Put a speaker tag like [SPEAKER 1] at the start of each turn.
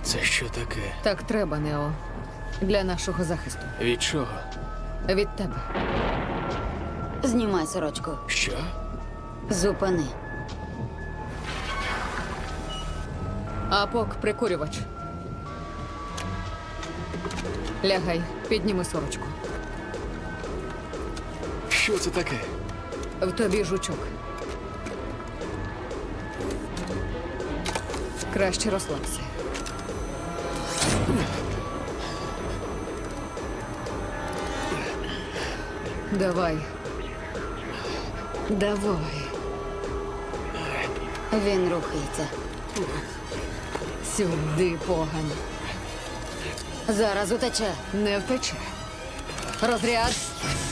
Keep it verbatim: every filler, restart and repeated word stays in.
[SPEAKER 1] Це що таке?
[SPEAKER 2] Так треба, Нео. Для нашого захисту.
[SPEAKER 1] Від чого?
[SPEAKER 2] Від тебе.
[SPEAKER 3] Знімай сорочку.
[SPEAKER 1] Що?
[SPEAKER 3] Зупини.
[SPEAKER 2] Апок, прикурювач. Лягай, підніми сорочку.
[SPEAKER 1] Що це таке?
[SPEAKER 2] В тобі жучок. Краще розслабся. Давай. Давай.
[SPEAKER 3] Він рухається.
[SPEAKER 2] Сюди, погань.
[SPEAKER 3] Зараз утече.
[SPEAKER 2] Не втече. Розряд.